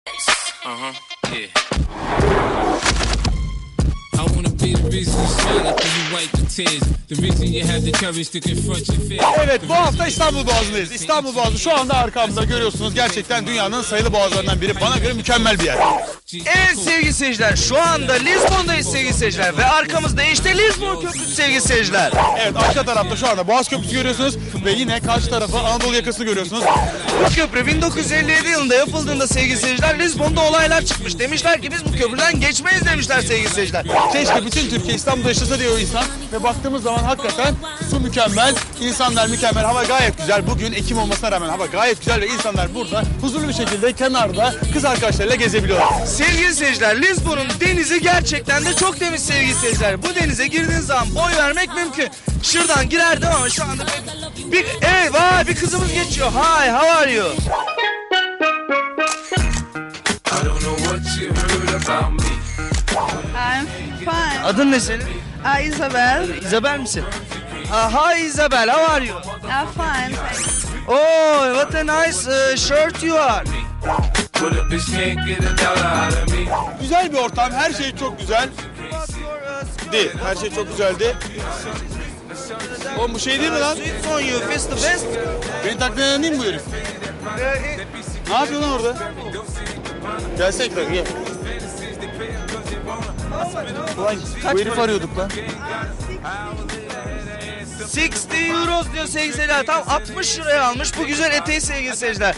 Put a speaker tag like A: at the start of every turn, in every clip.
A: Yeah. I wanna be the reason you smile after you wipe the tears. The reason you have the courage to confront your fears.
B: Evet, bu hafta İstanbul Boğazı'ndayız. İstanbul Boğazı şu anda arkamda görüyorsunuz. Gerçekten dünyanın sayılı boğazlarından biri. Bana göre mükemmel bir yer.
C: Evet sevgili seyirciler, şu anda Lizbon'dayız sevgili seyirciler ve arkamızda işte Lizbon Köprüsü sevgili seyirciler.
B: Evet, arka tarafta şu anda Boğaz Köprüsü görüyorsunuz ve yine karşı tarafa Anadolu yakasını görüyorsunuz.
C: Bu köprü 1957 yılında yapıldığında sevgili seyirciler Lizbon'da olaylar çıkmış. Demişler ki biz bu köprüden geçmeyiz demişler sevgili seyirciler.
B: Keşke bütün Türkiye İstanbul'da yaşasa diyor insan ve baktığımız zaman hakikaten su mükemmel, insanlar mükemmel, hava gayet güzel. Bugün Ekim olmasına rağmen hava gayet güzel ve insanlar burada huzurlu bir şekilde kenarda kız arkadaşlarıyla gezebiliyorlar.
C: Sevgili seyirciler, Lizbon'un denizi gerçekten de çok temiz sevgili seyirciler. Bu denize girdiğiniz zaman boy vermek mümkün. Şuradan girerdim ama şu anda bir kızımız geçiyor. Hi, how are you?
D: I'm fine.
C: Adın ne senin?
D: Isabel.
C: Isabel misin? Hi Isabel, how are you?
D: I'm fine, thanks.
C: Oh, what a nice shirt you are.
B: Güzel bir ortam, her şey çok güzel. Değil, her şey çok güzeldi. Oğlum bu şey değil mi lan?
C: Sweets on you, fist the best.
B: Beni takliden değil mi bu herif? Ne yapıyor lan orada? Gelsene ekran, gel. Ulan bu herifi arıyorduk lan.
C: 60 euros diyor sevgili seyirciler. Tam 60 liraya almış bu güzel eteği sevgili seyirciler.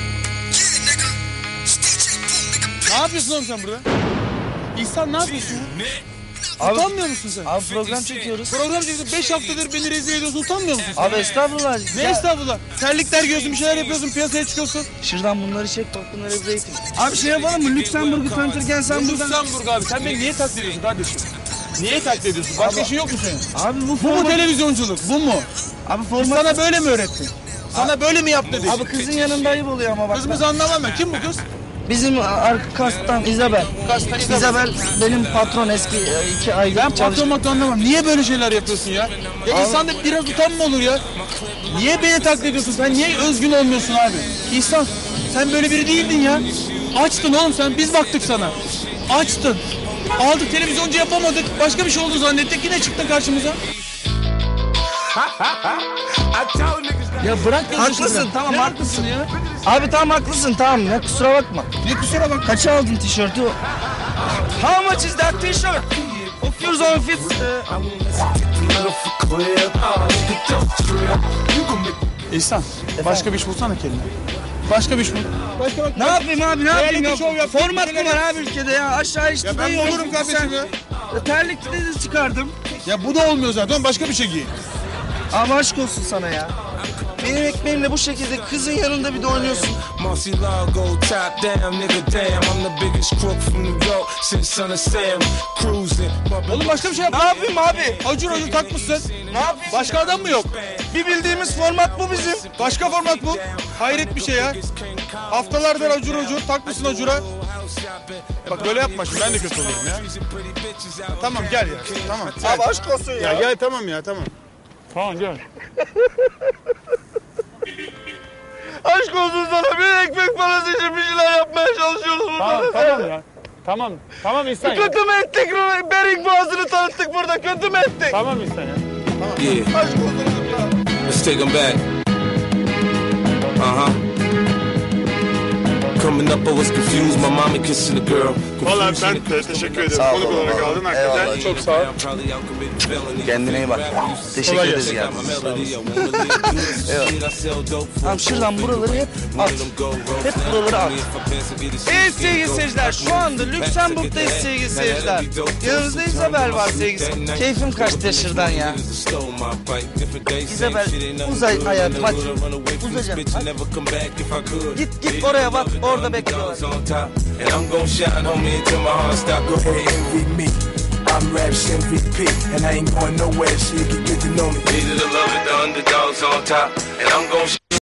B: Ne yapıyorsun oğlum sen burada? İhsan ne yapıyorsun ya?
C: Abi,
B: utanmıyor musun sen?
C: Abi program çekiyoruz.
B: Program çekiyorsun, 5 haftadır beni rezil ediyorsun, utanmıyor musun sen?
C: Abi estağfurullah.
B: Ne estağfurullah? Terlikler giyiyorsun, bir şeyler yapıyorsun, piyasaya çıkıyorsun.
C: Şuradan bunları çek, bak bunları bir eğitim. Abi şey yapalım mı? Lüksemburg'u tanıtırken sen buradan...
B: Lüksemburg abi, sen beni niye taklit ediyorsun kardeşim? Niye taklit ediyorsun? Başka işin yok mu senin?
C: Abi
B: Bu mu televizyonculuk, bu mu?
C: Abi format...
B: Sana böyle mi öğretti? Sana böyle mi yaptı dedi?
C: Abi kızın yanında ayıp oluyor ama bak.
B: Kızımızı anlamam ben. Kim bu kız?
C: Bizim kastan Isabel. Isabel benim patron eski 2 aylık
B: Ben patron anlamam. Niye böyle şeyler yapıyorsun ya? Ya insanda biraz utanma olur ya. Niye beni taklit ediyorsun? Sen niye özgün olmuyorsun abi? İhsan, sen böyle biri değildin ya. Açtın oğlum sen. Biz baktık sana. Açtın. Aldık, televizyoncu yapamadık. Başka bir şey oldu zannettik. Yine çıktın karşımıza. Ya bırak
C: haklısın, tamam
B: haklısın ya.
C: Abi tamam haklısın, tamam ya, kusura bakma.
B: Ne kusura bak.
C: Kaça aldın tişörtü? How much is that t-shirt? Of yours on fits.
B: İhsan, başka bir iş bulsana kendine. Başka bir iş bul. Başka bak.
C: Ne yapayım abi, ne yapayım ya?
B: Show yap,
C: Format mı var abi ülkede ya? Aşağı işte.
B: Ya ben mi olurum kardeşim ya?
C: Terlikli de çıkardım.
B: Ya bu da olmuyor zaten. Başka bir şey giy.
C: Ama aşk olsun sana ya. Benim ekmeğimle bu şekilde kızın yanında bir de oynuyorsun.
B: Oğlum başka bir şey yap.
C: Ne yapayım abi?
B: Acur takmışsın.
C: Ne yapayım?
B: Başka adam mı yok?
C: Bir bildiğimiz format bu bizim.
B: Başka format bu. Hayret bir şey ya. Haftalardır acur takmışsın acura. Bak böyle yapma şimdi, ben de kötü olurum ya. Tamam gel ya. Tamam.
C: Abi aşk olsun ya.
B: Ya gel tamam ya, tamam. Tamam gel.
C: Aşk olsun sana, bir ekmek parası için bir şeyler yapmaya çalışıyoruz burada.
B: Tamam ya. Tamam İhsan ya.
C: Kötü mü ettik? Bering Boğazı'nı tanıttık burada, kötü mü ettik?
B: Tamam İhsan ya.
A: Yeah.
C: Aşk olsun ya.
A: Let's take them back. Coming up, I was confused. My mommy kissing the girl.
B: Vallahi ben de teşekkür ederim. Konuk olarak aldın hakikaten. Çok sağ ol.
C: Kendine iyi bak. Teşekkür ederiz geldiğin Tamam, şuradan buraları hep at. Hep buraları at. Evet sevgili seyirciler, şu anda Lüksemburg'dayız sevgili seyirciler. Yanımızda Isabel var sevgili seyirciler. Keyfim kaçtı şuradan ya. Isabel uzay hayatım, hadi. Uzayacağım. Git oraya bak, orada bekliyorlar.
E: I'm Raps MVP, and I ain't going nowhere, so you can get to know me.
A: Needed to love it, the underdogs on top, and I'm gon'